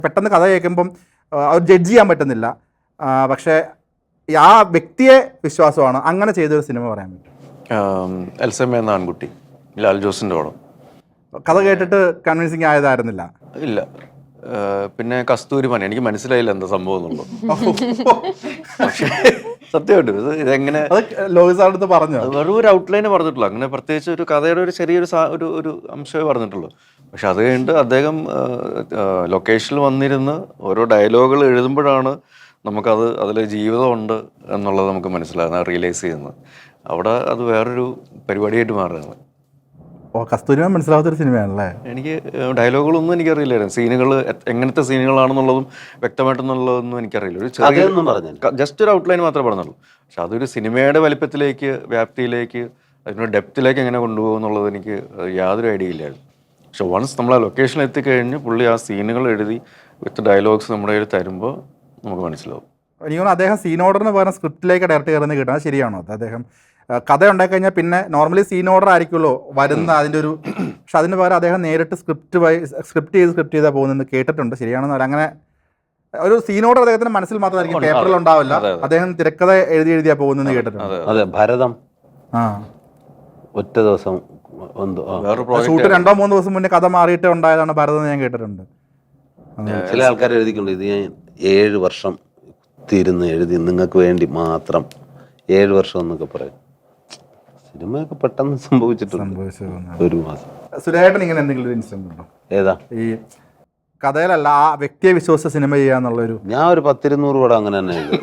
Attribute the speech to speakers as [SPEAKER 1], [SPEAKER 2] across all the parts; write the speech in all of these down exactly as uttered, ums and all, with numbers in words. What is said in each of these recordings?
[SPEAKER 1] പെട്ടെന്ന് കഥ കേൾക്കുമ്പം അത് ജഡ്ജ് ചെയ്യാൻ പറ്റുന്നില്ല. പക്ഷേ ആ വ്യക്തിയെ വിശ്വാസമാണ്. അങ്ങനെ ചെയ്തൊരു സിനിമ പറയാൻ പറ്റും.
[SPEAKER 2] എൽസമ്മ എന്ന ആൺകുട്ടി, ലാൽ ജോസിൻ്റെ പടം.
[SPEAKER 1] കഥ കേട്ടിട്ട് കൺവിൻസിങ് ആയതായിരുന്നില്ല?
[SPEAKER 2] ഇല്ല. പിന്നെ കസ്തൂരിമാൻ, എനിക്ക് മനസ്സിലായില്ല എന്താ സംഭവം എന്നുള്ളത്. പക്ഷേ സത്യമായിട്ട് ഇത് ഇതെങ്ങനെ
[SPEAKER 1] ലോഹിസാറിനടുത്ത് പറഞ്ഞു,
[SPEAKER 2] വെറും ഒരു ഔട്ട്ലൈന് പറഞ്ഞിട്ടുള്ളൂ. അങ്ങനെ പ്രത്യേകിച്ച് ഒരു കഥയുടെ ഒരു ചെറിയൊരു ഒരു ഒരു അംശമേ പറഞ്ഞിട്ടുള്ളൂ. പക്ഷെ അത് കഴിഞ്ഞിട്ട് അദ്ദേഹം ലൊക്കേഷനിൽ വന്നിരുന്ന് ഓരോ ഡയലോഗുകൾ എഴുതുമ്പോഴാണ് നമുക്കത് അതിൽ ജീവിതമുണ്ട് എന്നുള്ളത് നമുക്ക് മനസ്സിലാകുന്നത്, റിയലൈസ് ചെയ്യുന്നത്. അവിടെ അത് വേറൊരു പരിപാടിയായിട്ട് മാറുകയാണ്.
[SPEAKER 1] ഓ, കസ്തൂരിമാൻ മനസ്സിലാവാത്തൊരു സിനിമയാണല്ലേ?
[SPEAKER 2] എനിക്ക് ഡയലോഗുകളൊന്നും എനിക്കറിയില്ലായിരുന്നു. സീനുകൾ എങ്ങനത്തെ സീനുകളാണെന്നുള്ളതും വ്യക്തമായിട്ടെന്നുള്ളതൊന്നും എനിക്കറിയില്ല. ഒരു ചെറിയ ജസ്റ്റ് ഒരു ഔട്ട്ലൈൻ മാത്രമേ പറഞ്ഞുള്ളൂ. പക്ഷെ അതൊരു സിനിമയുടെ വലിപ്പത്തിലേക്ക്, വ്യാപ്തിയിലേക്ക്, അതിനൊരു ഡെപ്തിലേക്ക് എങ്ങനെ കൊണ്ടുപോകും എന്നുള്ളത് എനിക്ക് യാതൊരു ഐഡിയ ഇല്ലായിരുന്നു. പക്ഷെ വൺസ് നമ്മൾ ആ ലൊക്കേഷനിൽ എത്തിക്കഴിഞ്ഞ് പുള്ളി ആ സീനുകൾ എഴുതി വിത്ത് ഡയലോഗ്സ് നമ്മുടെ കയ്യിൽ തരുമ്പോൾ നമുക്ക് മനസ്സിലാവും.
[SPEAKER 1] എനിക്ക് തോന്നുന്നു അദ്ദേഹം സീൻ ഓർഡറിന് പകരം സ്ക്രിപ്റ്റിലേക്ക് ഡയറക്റ്റ് കയറുന്നത് കിട്ടുന്നത് ശരിയാണോ? അദ്ദേഹം കഥ ഉണ്ടായി കഴിഞ്ഞാൽ പിന്നെ നോർമലി സീൻ ഓർഡർ ആയിരിക്കുമല്ലോ വരുന്ന അതിൻ്റെ ഒരു, പക്ഷെ അതിന് പകരം അദ്ദേഹം നേരിട്ട് സ്ക്രിപ്റ്റ് വൈ സ്ക്രിപ്റ്റ് ചെയ്ത് സ്ക്രിപ്റ്റ് ചെയ്താൽ പോകുന്നത് കേട്ടിട്ടുണ്ട്. ശരിയാണെന്ന് പറയാം. അങ്ങനെ ഒരു സീൻ ഓർഡർ അദ്ദേഹത്തിന്റെ മനസ്സിൽ മാത്രമായിരിക്കും, പേപ്പറിൽ ഉണ്ടാവില്ല. അദ്ദേഹം തിരക്കഥ എഴുതി എഴുതിയാ പോകുന്നെന്ന് കേട്ടിട്ടുണ്ട്.
[SPEAKER 3] അതെ, ഭരതം
[SPEAKER 1] ആ
[SPEAKER 3] ഒറ്റ ദിവസം
[SPEAKER 1] ഷൂട്ട് രണ്ടോ മൂന്നോ ദിവസം മുന്നേ കഥ മാറിയിട്ട് ഉണ്ടായതാണ് ഭരതം, ഞാൻ കേട്ടിട്ടുണ്ട്.
[SPEAKER 3] ചില ആൾക്കാർ എഴുതിക്കൊണ്ട് ഇത് ഞാൻ ഏഴ് വർഷം തീരുന്ന് എഴുതി നിങ്ങൾക്ക് വേണ്ടി മാത്രം ഏഴ് വർഷം എന്നൊക്കെ പറയും. സിനിമയൊക്കെ പെട്ടെന്ന് സംഭവിച്ചിട്ടുണ്ട്, ഒരു മാസം.
[SPEAKER 1] സുരേട്ടൻ ഇങ്ങനെ എന്തെങ്കിലും ഒരു ഇൻസിഡന്റ് ഉണ്ടോ?
[SPEAKER 3] ഏതാ?
[SPEAKER 1] ഈ കഥയിലല്ല, ആ വ്യക്തിയെ വിശ്വസിച്ച സിനിമ ചെയ്യാന്നുള്ളൊരു.
[SPEAKER 3] ഞാൻ ഒരു പത്തിരുന്നൂറ് പടം അങ്ങനെ തന്നെ എഴുതി.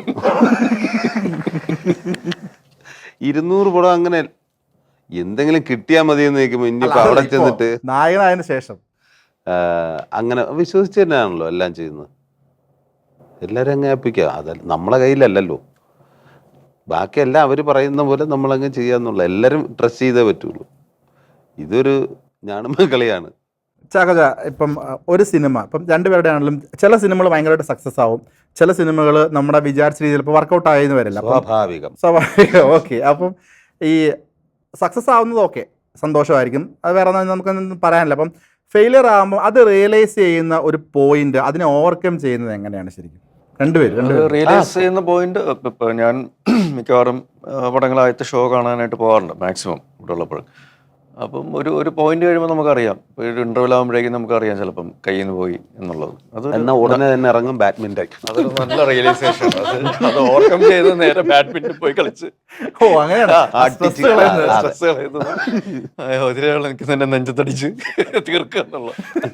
[SPEAKER 3] ഇരുന്നൂറ് പടം അങ്ങനെ എന്തെങ്കിലും കിട്ടിയാൽ മതി എന്ന് ചോദിക്കുമ്പോൾ ഇനിയിപ്പോൾ അവിടെ ചെന്നിട്ട്
[SPEAKER 1] നായകനായതിനു ശേഷം
[SPEAKER 3] അങ്ങനെ വിശ്വസിച്ച് തന്നെയാണല്ലോ എല്ലാം ചെയ്യുന്നത്. എല്ലാവരും അങ്ങ് ഏൽപ്പിക്കുക, അതല്ല നമ്മളെ കയ്യിലല്ലല്ലോ. ബാക്കിയെല്ലാം അവർ പറയുന്ന പോലെ നമ്മളങ്ങ് ചെയ്യാന്നുള്ള, എല്ലാവരും ട്രസ്റ്റ് ചെയ്തേ പറ്റുള്ളൂ. ഇതൊരു ഞാണുമ്പ കളിയാണ്.
[SPEAKER 1] ചാക്കോച്ച, ഇപ്പം ഒരു സിനിമ ഇപ്പം രണ്ടുപേരുടെ ആണെങ്കിലും ചില സിനിമകൾ ഭയങ്കരമായിട്ട് സക്സസ് ആവും, ചില സിനിമകൾ നമ്മുടെ വിചാരിച്ച രീതിയിൽ ഇപ്പോൾ വർക്കൗട്ട് ആയെന്ന് വരില്ല.
[SPEAKER 3] സ്വാഭാവികം
[SPEAKER 1] സ്വാഭാവികം ഓക്കെ. അപ്പം ഈ സക്സസ് ആവുന്നത് ഓക്കെ, സന്തോഷമായിരിക്കും, അത് വേറെ നമുക്കൊന്നും പറയാനില്ല. അപ്പം ഫെയിലിയർ ആകുമ്പോൾ അത് റിയലൈസ് ചെയ്യുന്ന ഒരു പോയിന്റ്, അതിനെ ഓവർകം ചെയ്യുന്നത് എങ്ങനെയാണ് ശരിക്കും? രണ്ടുപേരും
[SPEAKER 2] റിയലൈസ് ചെയ്യുന്ന പോയിന്റ്, ഇപ്പം ഞാൻ മിക്കവാറും പടങ്ങളായത്തെ ഷോ കാണാനായിട്ട് പോകാറുണ്ട് മാക്സിമം ഇവിടെ ഉള്ളപ്പോൾ. അപ്പം ഒരു ഒരു പോയിന്റ് കഴിയുമ്പോൾ നമുക്കറിയാം, ഒരു ഇന്റർവ്യൂ ആകുമ്പോഴേക്കും നമുക്കറിയാം ചിലപ്പം കയ്യിൽ നിന്ന് പോയി എന്നുള്ളത്. അത്
[SPEAKER 3] എന്നാൽ ഉടനെ തന്നെ ഇറങ്ങും ബാഡ്മിന്റൺ.
[SPEAKER 2] അതൊരു നല്ല റിയലൈസേഷൻ. അത് അത് ഓവർകം ചെയ്ത് നേരെ ബാഡ്മിന്റൺ പോയി കളിച്ച്
[SPEAKER 1] ഓ അങ്ങനെയാണ്
[SPEAKER 2] സ്ട്രെസ് കളയുന്നത്. ഒതിരകൾ എനിക്ക് തന്നെ നെഞ്ചത്തടിച്ച് തീർക്കുക എന്നുള്ള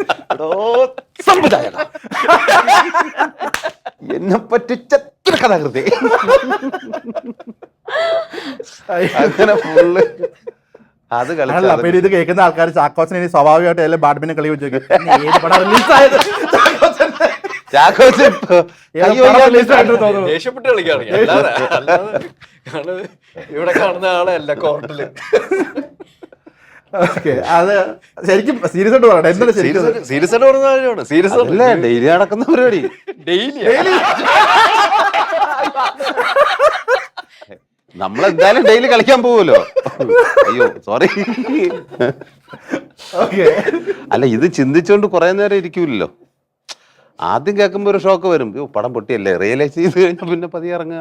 [SPEAKER 3] എന്നെ പറ്റിച്ച കഥാകൃതി. അങ്ങനെ ഫുള്ള് അത് കളിച്ച.
[SPEAKER 1] ഇത് കേൾക്കുന്ന ആൾക്കാർ ചാക്കോച്ചനെ ഇനി സ്വാഭാവികമായിട്ട് എല്ലാം ബാഡ്മിന്റൺ കളി വെച്ച്
[SPEAKER 2] ദേഷ്യപ്പെട്ട് കളിക്കാണ് ഇവിടെ കാണുന്ന ആളല്ല കോർട്ടില്.
[SPEAKER 1] അത് ശരിക്കും സീരിയസ് ആയിട്ട് പറയട്ടെ, എന്താണ്
[SPEAKER 2] സീരിയസ് ആയിട്ട് പറഞ്ഞ കാര്യമാണ്. സീരിയസ്
[SPEAKER 3] അല്ലേ? ഡെയിലി നടക്കുന്ന പരിപാടി.
[SPEAKER 2] ഡെയിലി
[SPEAKER 3] നമ്മളെന്തായാലും ഡെയിലി കളിക്കാൻ പോവുമല്ലോ. അയ്യോ സോറി. അല്ല, ഇത് ചിന്തിച്ചുകൊണ്ട് കുറെ നേരം ഇരിക്കൂല്ലോ. ആദ്യം കേൾക്കുമ്പോ ഒരു ഷോക്ക് വരും, പടം പൊട്ടിയല്ലേ. റിയലൈസ് ചെയ്ത് കഴിഞ്ഞാൽ പിന്നെ പതിയെ ഇറങ്ങുക,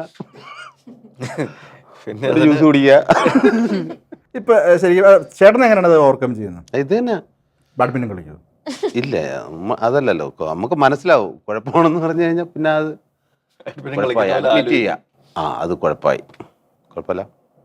[SPEAKER 3] പിന്നെ ജ്യൂസ് കുടിക്കുക.
[SPEAKER 1] ഇപ്പൊ ശരിക്കും ചേട്ടൻ എങ്ങനെയാണ് അത് ഓവർകം ചെയ്യുന്നത്?
[SPEAKER 3] ഇത് തന്നെ
[SPEAKER 1] ബാഡ്മിന്റൺ കളിക്കുന്നത്
[SPEAKER 3] ഇല്ല, അതല്ലല്ലോ നമുക്ക് മനസ്സിലാവും കുഴപ്പമാണെന്ന് പറഞ്ഞു കഴിഞ്ഞാൽ പിന്നെ അത് അഡ്മിറ്റ് ചെയ്യാം. ആ അത് കുഴപ്പമായി, കുഴപ്പമില്ല,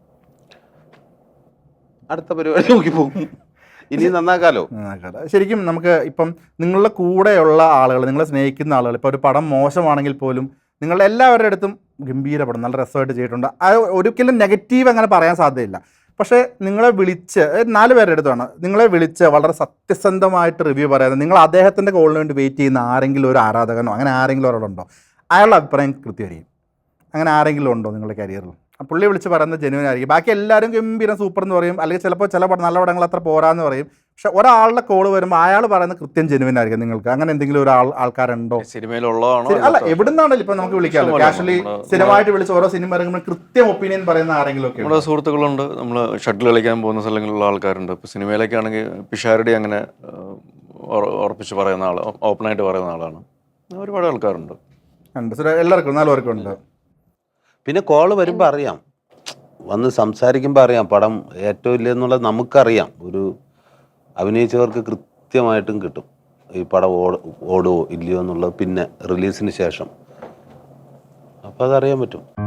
[SPEAKER 3] അടുത്ത പരിപാടി നോക്കി പോകും. ഇനി നന്നാക്കാലോ.
[SPEAKER 1] ശരിക്കും നമുക്ക് ഇപ്പം നിങ്ങളുടെ കൂടെയുള്ള ആളുകൾ, നിങ്ങളെ സ്നേഹിക്കുന്ന ആളുകൾ, ഇപ്പോൾ ഒരു പടം മോശമാണെങ്കിൽ പോലും നിങ്ങളുടെ എല്ലാവരുടെ അടുത്തും ഗംഭീര പടം, നല്ല രസമായിട്ട് ചെയ്തിട്ടുണ്ട്, അത് ഒരിക്കലും നെഗറ്റീവ് അങ്ങനെ പറയാൻ സാധ്യതയില്ല. പക്ഷേ നിങ്ങളെ വിളിച്ച്, നാല് പേരുടെ അടുത്താണ് നിങ്ങളെ വിളിച്ച് വളരെ സത്യസന്ധമായിട്ട് റിവ്യൂ പറയാതെ നിങ്ങൾ അദ്ദേഹത്തിൻ്റെ കോളിന് വേണ്ടി വെയിറ്റ് ചെയ്യുന്ന ആരെങ്കിലും ഒരു ആരാധകനോ അങ്ങനെ ആരെങ്കിലും ഒരാളുണ്ടോ? അയാളുടെ അഭിപ്രായം കൃത്യമായിരിക്കും. അങ്ങനെ ആരെങ്കിലും ഉണ്ടോ നിങ്ങളുടെ കരിയറിൽ? പുള്ളി വിളിച്ച് പറയുന്നത് ജെന്യുവൻ ആയിരിക്കും. ബാക്കി എല്ലാവരും ഗംഭീരം സൂപ്പർ എന്ന് പറയും, അല്ലെങ്കിൽ ചിലപ്പോൾ ചില നല്ല പടങ്ങൾ അത്ര പോരാന്ന് പറയും. പക്ഷെ ഒരാളുടെ കോള് വരുമ്പോൾ അയാൾ പറയുന്നത് കൃത്യം ജെന്യുവൻ ആയിരിക്കും. നിങ്ങൾക്ക് അങ്ങനെ എന്തെങ്കിലും ഒരു ആൾ ആൾക്കാരുണ്ടോ
[SPEAKER 2] സിനിമയിലുള്ളതാണോ?
[SPEAKER 1] അല്ല, എവിടുന്നാണല്ലോ ഇപ്പൊ നമുക്ക് വിളിക്കാമല്ലോ, കാഷ്വലി സ്ഥിരമായിട്ട് വിളിച്ച് ഓരോ സിനിമ ഇറങ്ങുമ്പോൾ കൃത്യം ഒപ്പീനിയൻ പറയുന്ന ആരെങ്കിലും ഒക്കെ?
[SPEAKER 2] നമ്മുടെ സുഹൃത്തുക്കളുണ്ട്, നമ്മൾ ഷട്ടിൽ കളിക്കാൻ പോകുന്ന സ്ഥലങ്ങളിലുള്ള ആൾക്കാരുണ്ട്. ഇപ്പോൾ സിനിമയിലേക്കാണെങ്കിൽ പിഷാരടി അങ്ങനെ ഉറപ്പിച്ച് പറയുന്ന ആൾ, ഓപ്പണായിട്ട് പറയുന്ന ആളാണ്. ഒരുപാട് ആൾക്കാരുണ്ട്.
[SPEAKER 1] ഉണ്ട് സുരേ, എല്ലാവർക്കും നാല് പേർക്കും ഉണ്ട്.
[SPEAKER 3] പിന്നെ കോള് വരുമ്പോൾ അറിയാം, വന്ന് സംസാരിക്കുമ്പോൾ അറിയാം പടം ഏറ്റവും ഇല്ലെന്നുള്ളത് നമുക്കറിയാം. ഒരു അഭിനയിച്ചവർക്ക് കൃത്യമായിട്ടും കിട്ടും ഈ പടം ഓട് ഓടുമോ ഇല്ലയോ എന്നുള്ളത് പിന്നെ റിലീസിന് ശേഷം. അപ്പോൾ അതറിയാൻ പറ്റും.